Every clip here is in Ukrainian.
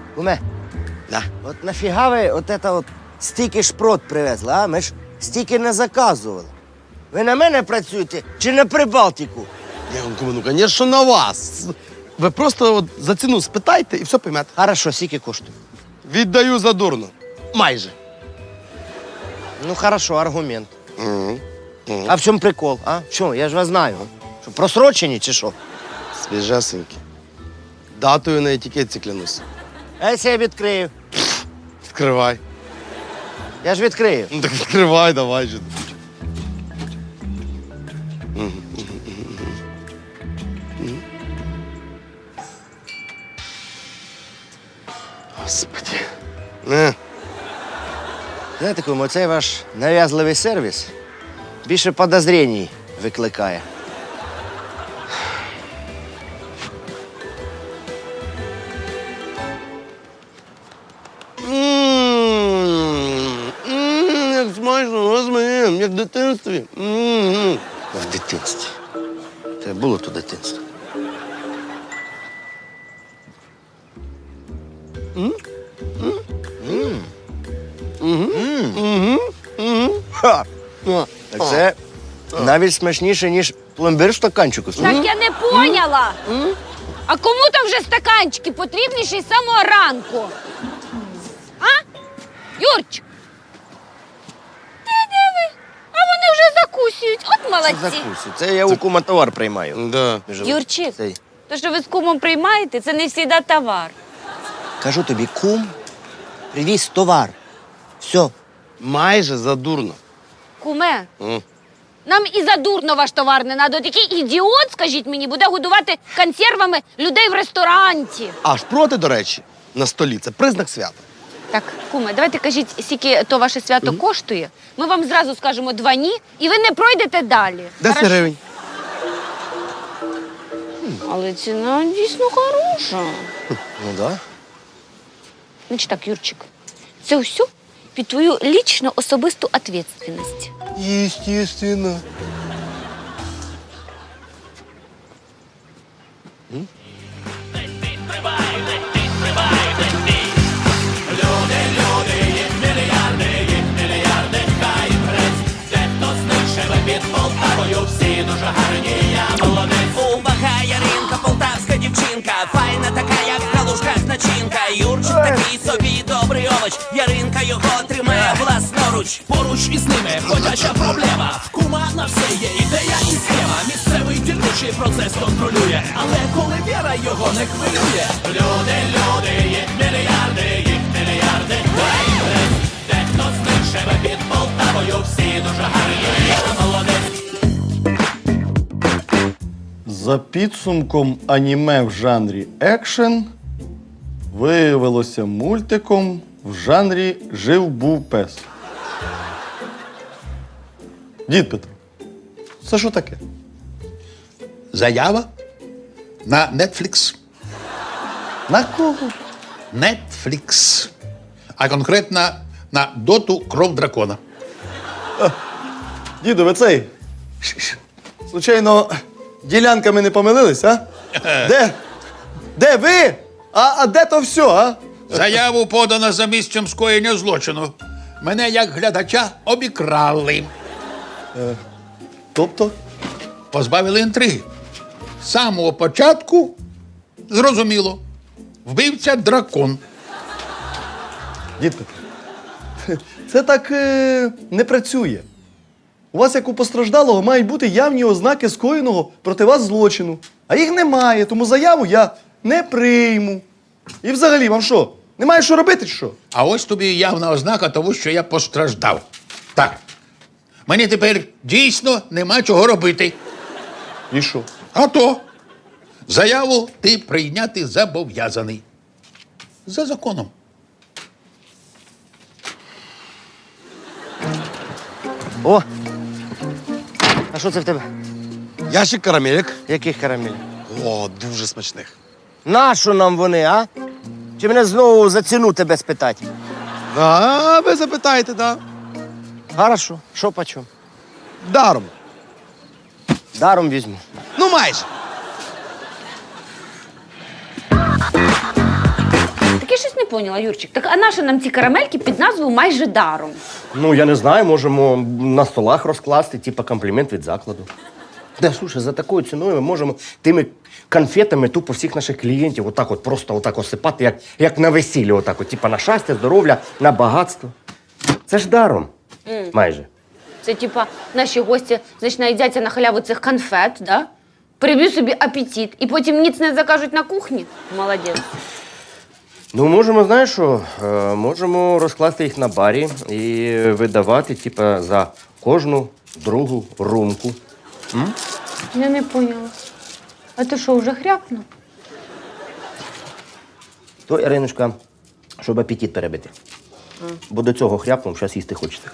Куме, Да. от нафіга ви от стільки шпрот привезли, а? Ми ж стільки не заказували. Ви на мене працюєте чи на Прибалтику? Ну, звісно, на вас. Ви просто от за ціну спитайте і все поймете. Хорошо, скільки коштує? Віддаю задурно. Майже. Ну, хорошо, аргумент. А в чому прикол, а? Що, я ж вас знаю. Що, просрочені чи що? Свіжесенькі. Датою на етикетці клянусь. А якщо я відкрию? Відкривай. Я ж відкрию. Ну так відкривай, давай же. Господи. Знаєте, кому, цей ваш нав'язливий сервіс більше подозрінь викликає. Як смачно, господи, як в дитинстві. В дитинстві. Це було то дитинство. Ха! Так це навіть смачніше, ніж пломбир в стаканчику. Так я не поняла. А кому там вже стаканчики потрібніші з самого ранку? А? Юрчик? Ти диви, а вони вже закусують. От молодці. Закусу. Це я у кума товар приймаю. Да. Юрчик, Цей. то, що ви з кумом приймаєте, це не завжди товар. Кажу тобі, кум привіз товар. Все. Майже задурно. Куме, нам і задурно ваш товар не треба. Такий ідіот, скажіть мені, буде годувати консервами людей в ресторані. Аж проти, до речі, на столі. Це признак свята. Так, куме, давайте кажіть, скільки то ваше свято коштує. Ми вам зразу скажемо 2 ні, і ви не пройдете далі. 10 Хорошо? гривень. Але ціна дійсно хороша. Ну да. Значить так, Юрчик, це все під твою лічну особисту відповідальність. Естественно. Увага, Яринка, полтавська дівчинка, файна така, як в калушках начинка. Юрчик такий собі добрий овоч, Яринка його тримає власноруч. Поруч із ними ходяча проблема. В кума на все є ідея і схема. Місцевий дільничий процес контролює, але коли віра його не хвилює. Люди, їх мільярди, дехто з них живе під Полтавою, всі дуже гарні, я молодець. За підсумком аніме в жанрі екшен виявилося мультиком в жанрі «Жив-був пес». Дід Петро, це що таке? Заява на Netflix. На кого? Netflix. А конкретно на доту «Кров дракона». Діду, ви цей? Случайно, ділянками не помилились, а? Де? Де ви? А де то все, а? Заяву подано за місцем скоєння злочину. Мене, як глядача, обікрали. Тобто? Позбавили інтриги. З самого початку зрозуміло. Вбивця дракон. Дід Петро, це так не працює. У вас, як у постраждалого, мають бути явні ознаки скоєного проти вас злочину. А їх немає, тому заяву я не прийму. І взагалі, вам що, немає що робити, чи що? А ось тобі явна ознака того, що я постраждав. Так. Мені тепер дійсно нема чого робити. І що? А то заяву ти прийняти зобов'язаний. За законом. О! А що це в тебе? Ящик карамелек. Яких карамель? О, дуже смачних. Нащо нам вони, а? Чи мене знову за ціну тебе спитати? Да, ви запитаєте, да. Хорошо. Що почем? Даром. Даром візьму. Ну, майже. щось не поняла, Юрчик. Так а нащо нам ці карамельки під назвою майже даром? Ну, я не знаю, можемо на столах розкласти, типа комплімент від закладу. Да, слушай, за такою ціною ми можемо тими конфетами тупо всіх наших клієнтів отак от просто отак осипати, як на весіллі, отак от, типа на щастя, здоров'я, на багатство. Це ж даром. Майже. Це типа наші гості, значить, наїдяться на халяву цих конфет, да? Приб'ють собі апетит і потім ніц не закажуть на кухні. Молодець. Ну, можемо, знаєш що, можемо розкласти їх на барі і видавати, типа, за кожну другу румку. Я не поняла. А ти що, вже хряпнув? То, Іриночка, щоб апетит перебити. Бо до цього хряпнув, зараз їсти хочеться.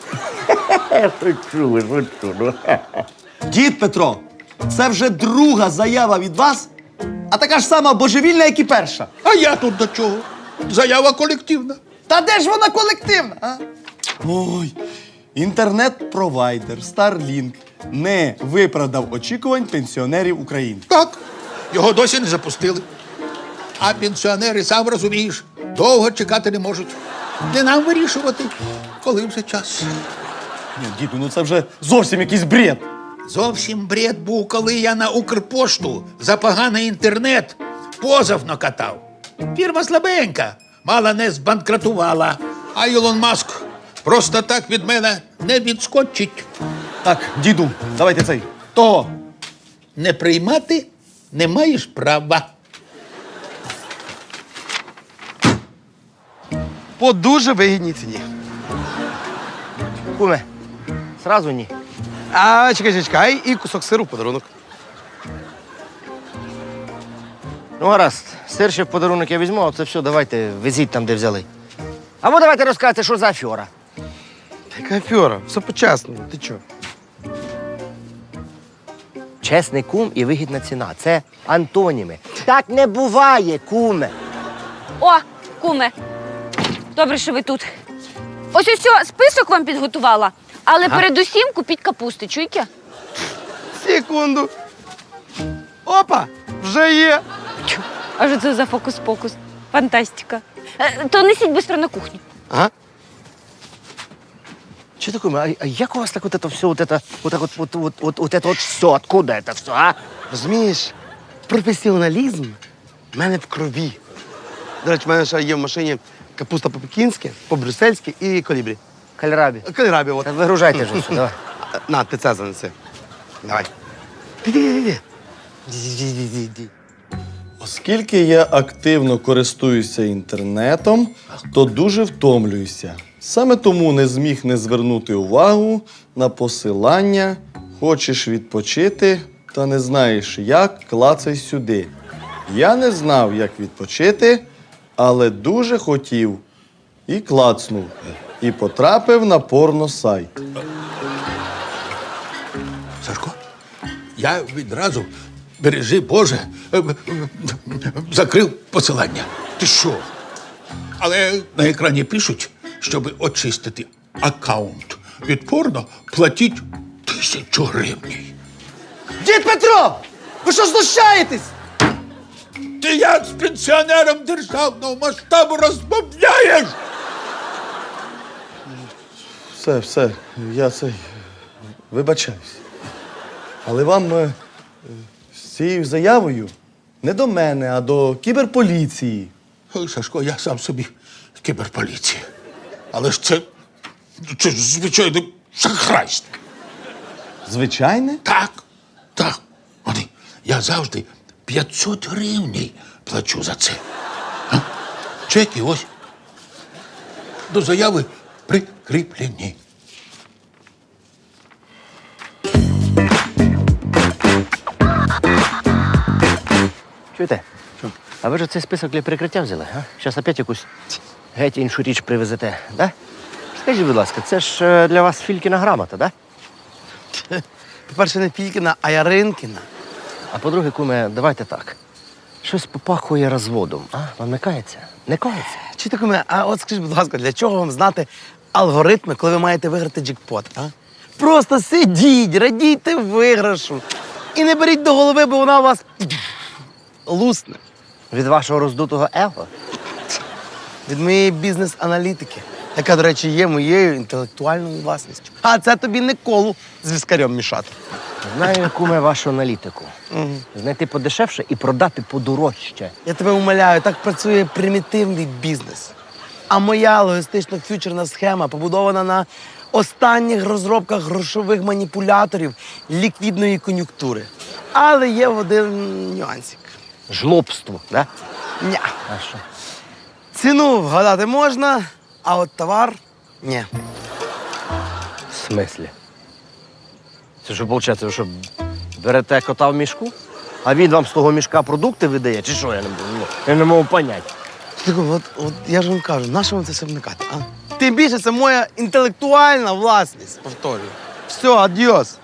Шучу. Дід Петро, це вже друга заява від вас, а така ж сама божевільна, як і перша. А я тут до чого? Заява колективна. Та де ж вона колективна? А? Ой, інтернет-провайдер Starlink не виправдав очікувань пенсіонерів України. Так, його досі не запустили. А пенсіонери, сам розумієш, довго чекати не можуть. Не нам вирішувати, коли вже час. Ні, діду, ну це вже зовсім якийсь бред. Зовсім бред був, коли я на Укрпошту за поганий інтернет позов накатав. Фірма слабенька, мало не збанкрутувала. А Ілон Маск просто так від мене не відскочить. Так, діду, давайте цей. Того. Не приймати не маєш права. По дуже вигідній ціні. Куме, сразу ні. А чекай, і кусок сиру в подарунок. Ну, гаразд, сир ще в подарунок я візьму, а це все давайте везіть там, де взяли. Або давайте розказуйте, що за афера. Яка афера, все по-чесному, ти чого? Чесний кум і вигідна ціна. Це антоніми. Так не буває, куме. О, куме. Добре, що ви тут. Ось список вам підготувала. Але передусім купіть капусти, чуйте? Секунду. Опа, вже є. А що це за фокус-покус? Фантастика. То несіть швидко на кухню. Ага. Че такое? А як у вас так вот это все, вот это все, откуда это все, а? Розумієш, професіоналізм в мене в крові. До речі, в мене ще є в машині капуста по-пекінськи, по-брюссельськи і колібрі. Кальрабі. Кальрабі, от. Та вигружайте вже все, давай. На, ти це занеси. Давай. Іди. Оскільки я активно користуюся інтернетом, то дуже втомлююся. Саме тому не зміг не звернути увагу на посилання «Хочеш відпочити та не знаєш як, клацай сюди». Я не знав, як відпочити, але дуже хотів. І клацнув. І потрапив на порно-сайт. Сашко, я відразу, бережи Боже, закрив посилання. Ти що? Але на екрані пишуть, щоб очистити аккаунт від порно, платіть 1000 гривень. Дід Петро! Ви що знущаєтесь? Ти як з пенсіонером державного масштабу розмовляєш? Все, я вибачаюсь. Але вам з цією заявою не до мене, а до кіберполіції. Ой, Сашко, я сам собі кіберполіція. Але ж це ж звичайне шахрайство. Звичайне? Так. Вони, я завжди 500 гривень плачу за це. А? Чеки ось. До заяви прикріплені. Чуєте? А ви ж цей список для прикриття взяли, а? Зараз опять якусь геть іншу річ привезете, да? Скажіть, будь ласка, це ж для вас Филькіна грамота, да? По-перше, не Фількіна, а Яринкіна. А по-друге, куме, давайте так. Щось попахує розводом, а? Вам не кається? Не кається? Чи таке мене? А от скажіть, будь ласка, для чого вам знати алгоритми, коли ви маєте виграти джекпот, а? Просто сидіть, радійте виграшу. І не беріть до голови, бо вона у вас лусне. Від вашого роздутого его? від моєї бізнес-аналітики, яка, до речі, є моєю інтелектуальною власністю. А це тобі не колу з віскарем мішати. Знаю, куме, вашу аналітику. Знайти подешевше і продати подорожче. Я тебе умоляю, так працює примітивний бізнес. А моя логістично-фьючерна схема побудована на останніх розробках грошових маніпуляторів ліквідної кон'юнктури. Але є один нюансик. Жлобство, да? Ня. А що? Ціну вгадати можна, а от товар – ні. В смислі? Це що, виходить, ви що, берете кота в мішку, а він вам з того мішка продукти видає? Чи що, я не можу поняти. Слухай, от я ж вам кажу, на що вам це все вникати, а? Тим більше це моя інтелектуальна власність, повторюю. Все, адіос.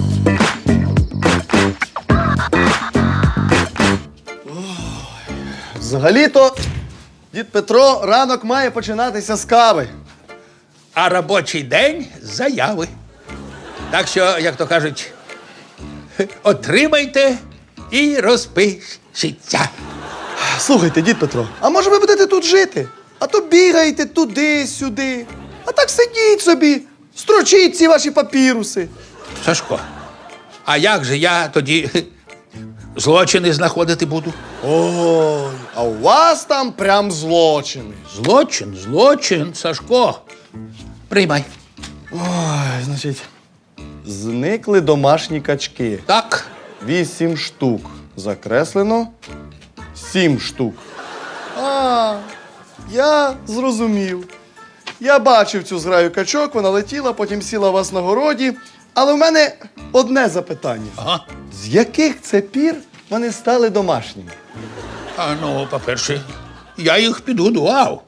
Взагалі-то, дід Петро, ранок має починатися з кави. А робочий день з заяви. Так що, як то кажуть, отримайте і розпишіться. Слухайте, дід Петро, а може ви будете тут жити? А то бігаєте туди-сюди. А так сидіть собі, строчіть ці ваші папіруси. Сашко, а як же я тоді злочини знаходити буду? Ой, а у вас там прям злочини. Злочин, Сашко. Приймай. Ой, значить, зникли домашні качки. Так. 8 штук. Закреслено 7 штук. А, я зрозумів. Я бачив цю зграю качок, вона летіла, потім сіла у вас на городі. Але в мене одне запитання. Ага. З яких це пір вони стали домашніми? А ну, по-перше, я їх підгодував.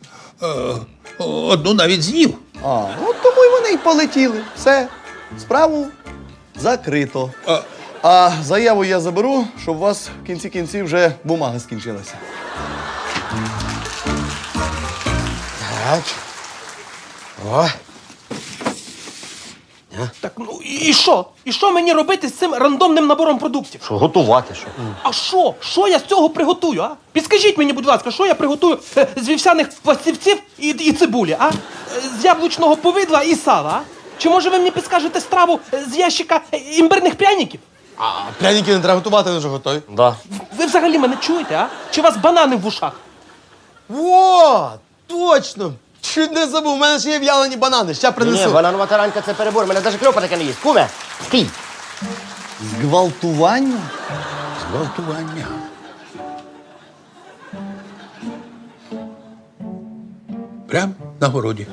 Одну навіть з'їв. А, от тому й вони й полетіли. Все, справу закрито. А заяву я заберу, щоб у вас в кінці кінців вже бумага скінчилася. Так. О. Так, ну і що? І що мені робити з цим рандомним набором продуктів? Що, готувати, що? А що? Що я з цього приготую, а? Підскажіть мені, будь ласка, що я приготую з вівсяних пластівців і цибулі, а? З яблучного повидла і сала, а? Чи може ви мені підскажете страву з ящика імбирних пряників? А пряники не треба готувати, вони вже готові. Да. Ви взагалі мене чуєте, а? Чи у вас банани в вушах? О, точно! Чуть не забув, у мене ще є в'ялені банани, ще принесу. Ні, бананова таранька це перебор, мене навіть кльопа таке не їсть. Куме, стій! Зґвалтування? Зґвалтування. Прям на городі.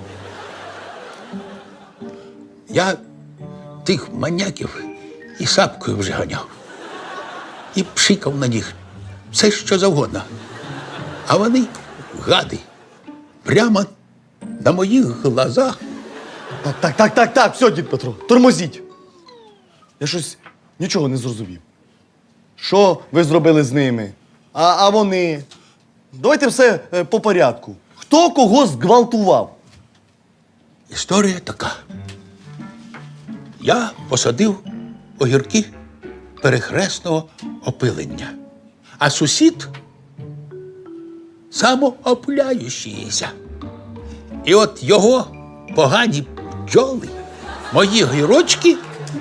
Я тих маньяків і сапкою вже ганяв. І пшикав на них все, що завгодно. А вони, гади, прямо на моїх глазах. Так, все, дід Петро, тормозіть. Я щось нічого не зрозумів. Що ви зробили з ними? А вони? Давайте все по порядку. Хто кого зґвалтував? Історія така. Я посадив огірки перехресного опилення, а сусід самоопиляючийся. І от його погані бджоли, мої гірочки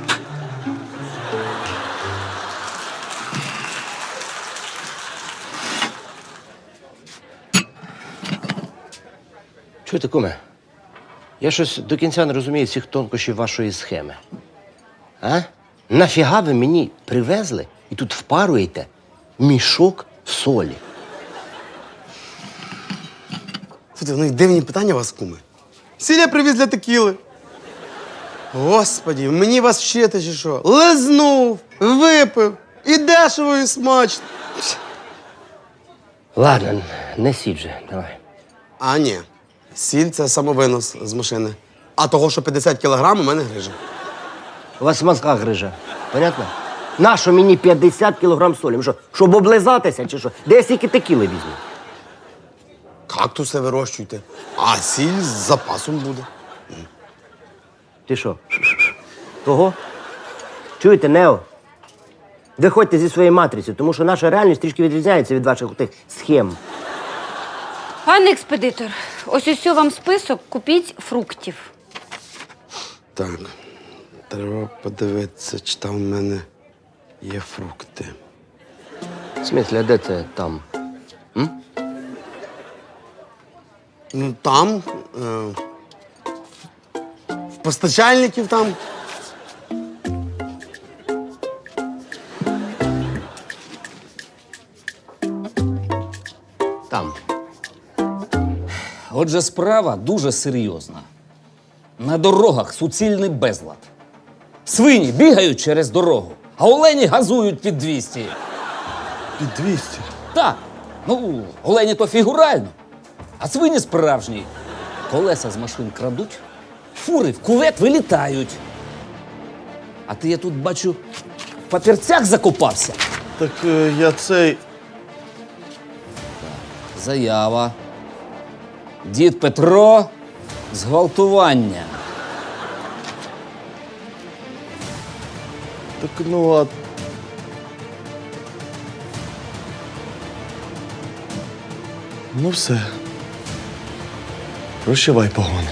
Чуєте, куме? Я щось до кінця не розумію всіх тонкощів вашої схеми. А? Нафіга ви мені привезли і тут впаруєте мішок солі? Слухайте, ну і дивні питання у вас, куми. Сіль я привіз для текіли. Господі, мені вас вчити чи що? Лизнув, випив, і дешево, і смачно. Ладно, не сідь же, давай. А ні, сіль – це самовинос з машини. А того, що 50 кілограм, у мене грижа. У вас в мозгах грижа, понятно? Нащо мені 50 кілограм солі? Ви що, щоб облизатися чи що? Де я стільки текіли візьму? Кактуси вирощуйте, а сіль з запасом буде. Ти що? Того? Чуєте, Нео? Виходьте зі своєї матриці, тому що наша реальність трішки відрізняється від ваших тих схем. Пане експедитор, ось вам список, купіть фруктів. Так, треба подивитися, чи там в мене є фрукти. В смислі, а де це там? Ну, там, в постачальників там. Там. Отже, справа дуже серйозна. На дорогах суцільний безлад. Свині бігають через дорогу, а олені газують під 200. Під 200. Так, ну, олені то фігурально, а свині справжні. Колеса з машин крадуть, фури в кувет вилітають. А ти, я тут бачу, в папірцях закопався. Так я цей. Заява. Дід Петро, зґвалтування. Так ну а. Ну все. Прощавай, погони.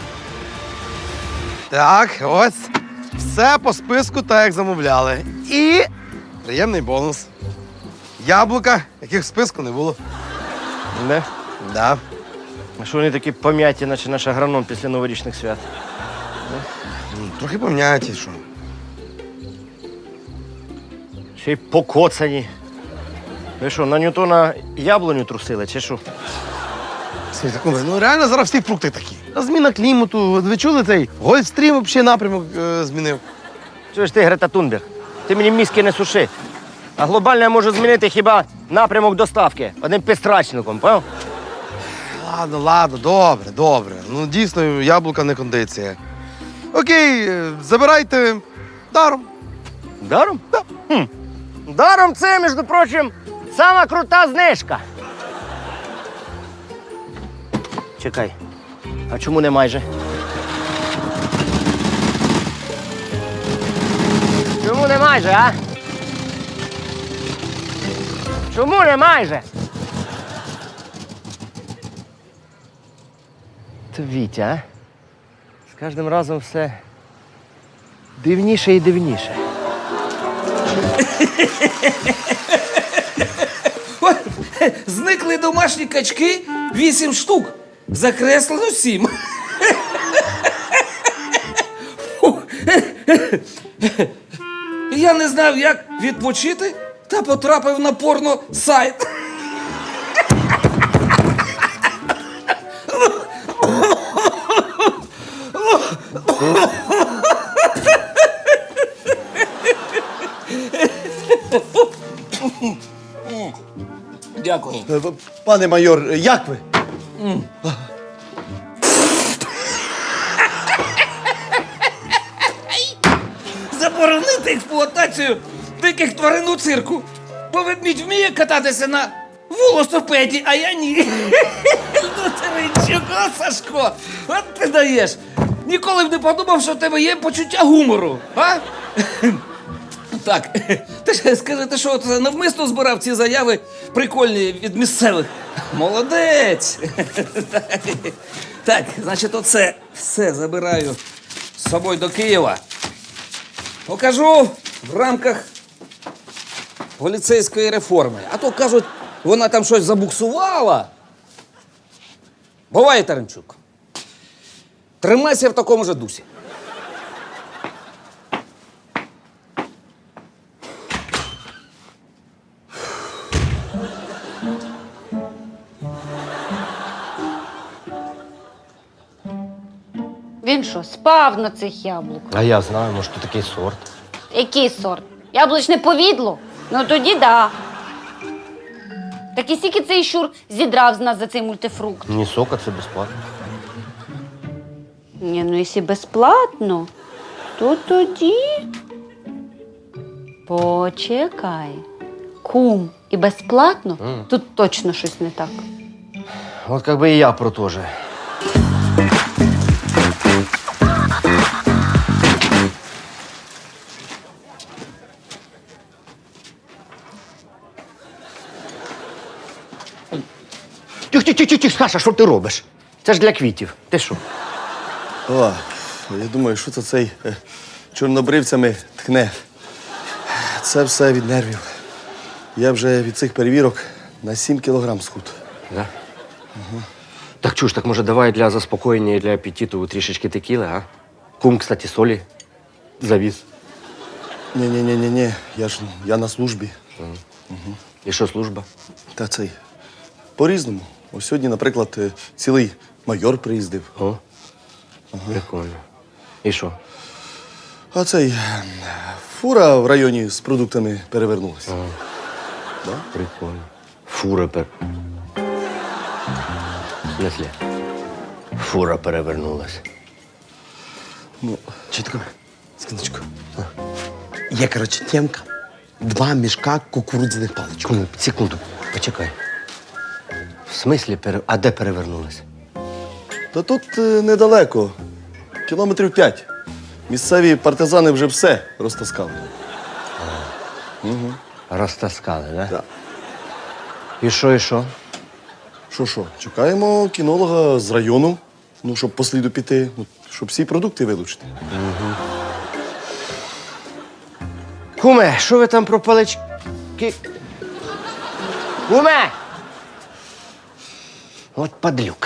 Так, ось. Все по списку, так як замовляли. І приємний бонус. Яблука, яких в списку не було. Не? Да. А що вони такі пом'яті, наче наш агроном після новорічних свят? Трохи пом'яті, що. Ще й покоцані. Ви що, на Ньютона яблуню трусили, чи що? Слухайте, куме, ну реально зараз всі фрукти такі. А зміна клімату, ви чули цей Гольфстрім взагалі напрямок змінив. Чуєш ти, Грета Тунберг, ти мені мізки не суши. А глобально я можу змінити хіба напрямок доставки одним підстрачником, поняв? Ладно, добре. Ну дійсно, яблука не кондиція. Окей, забирайте даром. Даром? Да. Даром це, між прочим, сама крута знижка. Чекай, а чому не майже? Чому не майже, а? Чому не майже? Та Вітя, а? З кожним разом все дивніше і дивніше. Ой, зникли домашні качки 8 штук. Закреслено 7. Я не знав, як відпочити, та потрапив на порно-сайт. Дякую. Пане майор, як ви? Заборонити експлуатацію диких тварин у цирку. Бо ведмідь вміє кататися на велосипеді, а я ні. Ну, Теренчук, Сашко, от ти даєш. Ніколи б не подумав, що в тебе є почуття гумору, а? Так, ти ж скажи, ти що, це навмисно збирав ці заяви прикольні від місцевих? Молодець! Так, значить, оце все забираю з собою до Києва. Покажу в рамках поліцейської реформи. А то, кажуть, вона там щось забуксувала. Буває, Таранчук. Тримайся в такому же дусі. Він що, спав на цих яблуках? А я знаю, може, тут такий сорт. Який сорт? Яблучне повідло? Ну тоді да. Так і скільки цей щур зідрав з нас за цей мультифрукт? Ні сока, це безплатно. Ні, ну якщо безплатно, то тоді. Почекай. Кум і безплатно? Тут точно щось не так. От як би і я про те же. Тих, Саша, що ти робиш? Це ж для квітів. Ти що? О, я думаю, що це цей чорнобривцями тхне. Це все від нервів. Я вже від цих перевірок на 7 кілограм схуд. Да? Так чуєш, так може давай для заспокоєння і для апетиту трішечки текіли, а? Кум, кстати, солі завіз. Ні, я на службі. І що служба? Та цей. По-різному. Ось сьогодні, наприклад, цілий майор приїздив. О, прикольно. І що? А цей фура в районі з продуктами перевернулася. Прикольно. Фура В смысле? Фура перевернулась. Ну, Чітко. Секундочку. Є, коротше, темка. 2 мішка кукурудзяних паличок. Кому? Секунду, почекай. В смислі А де перевернулась? та тут недалеко. Кілометрів 5. Місцеві партизани вже все розтаскали. Розтаскали, да? Так. І що, і що? Що? Чекаємо кінолога з району, щоб по сліду піти, щоб всі продукти вилучити. Куме, що ви там про палички? Куме! От падлюка.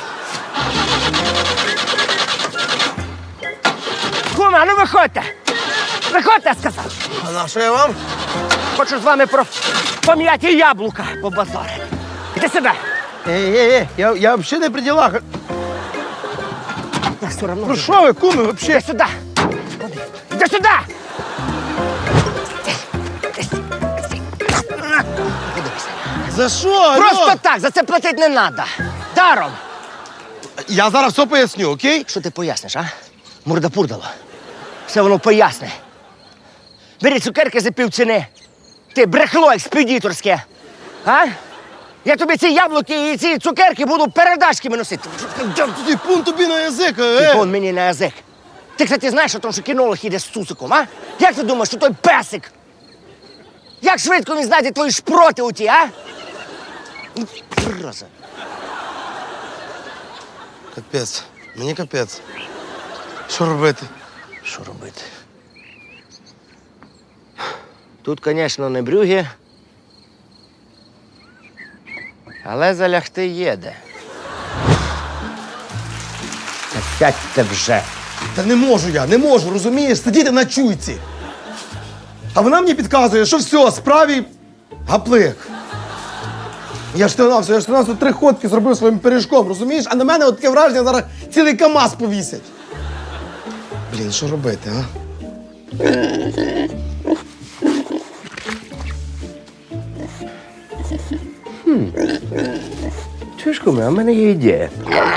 Куме, а ну виходьте! Виходьте, я сказав! А на що я вам? Хочу з вами про пом'яті яблука побазарити. Іди сюди! Я взагалі не при ділах. Я все одно. Про що ви, куми, взагалі? Іди сюди! Іди сюди! За що? Просто так, за це платити не треба. Даром! Я зараз все поясню, окей? Що ти поясниш, а? Мурда-пурдало. Все воно поясне. Бери цукерки за півціни. Ти брехло експедиторське. А? Я тобі ці яблуки і ці цукерки буду передачками носити. Ти пун тобі на язик, Ти вон мені на язик. Ти, кстати, знаєш, що кінолог іде з цуциком, а? Як ти думаєш, що той песик? Як швидко він знайде твої шпроти у ті, а? Зараза. Капець, мені капець. Що робити? Що робити? Тут, звісно, не брюги, але залягти є де. Та сядьте вже. Та не можу, розумієш? Сидіти на чуйці. А вона мені підказує, що все, справі гаплик. Я ж тут 3 ходки зробив своїм пиріжком, розумієш? А на мене от таке враження, зараз цілий КАМАЗ повісять. Блін, що робити, а? Чуєш, куме, а в мене є ідея.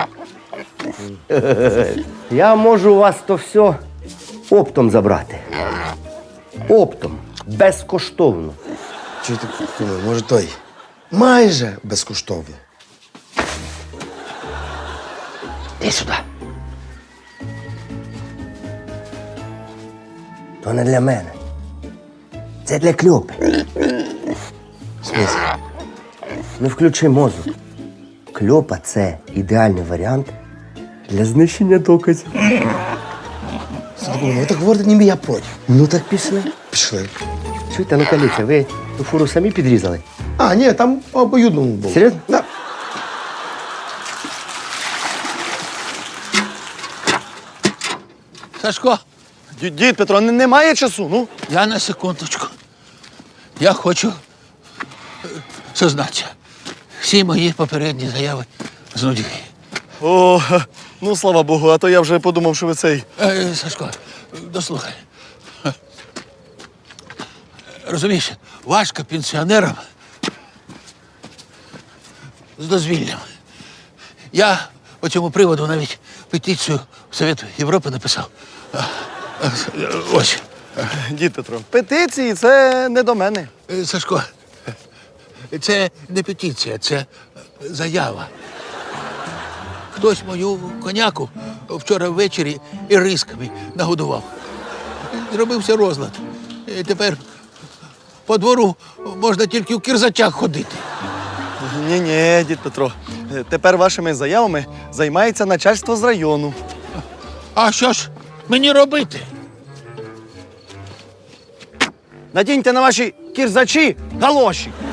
Я можу у вас то все оптом забрати. Оптом. Безкоштовно. Чуєте, може той? Майже безкоштовно. Іди сюди. То не для мене. Це для Кльопи. В смислі? Не включи мозок. Кльопа – це ідеальний варіант для знищення доказів. Ви так говорите, ніби я проти. Ну так пішли. Пішли. Чуєте, ну каліться, ви ту фуру самі підрізали? А, ні, там по обоюдному було. Серйозно? Да. Сашко, Дід Петро, немає часу, ну? я на секундочку. Я хочу сознатися. Всі мої попередні заяви з нудьги. О, ну слава Богу, а то я вже подумав, що ви цей. Сашко, дослухай. Розумієш, важко пенсіонерам з дозвіллям. Я по цьому приводу навіть петицію в Совет Європи написав. Ось. Дід Петро, петиції це не до мене. Сашко, це не петиція, це заява. Хтось мою коняку вчора ввечері і рисками нагодував. Зробився розлад. І тепер по двору можна тільки в кірзачах ходити. Ні, дід Петро. Тепер вашими заявами займається начальство з району. А що ж мені робити? Надіньте на ваші кірзачі галоші.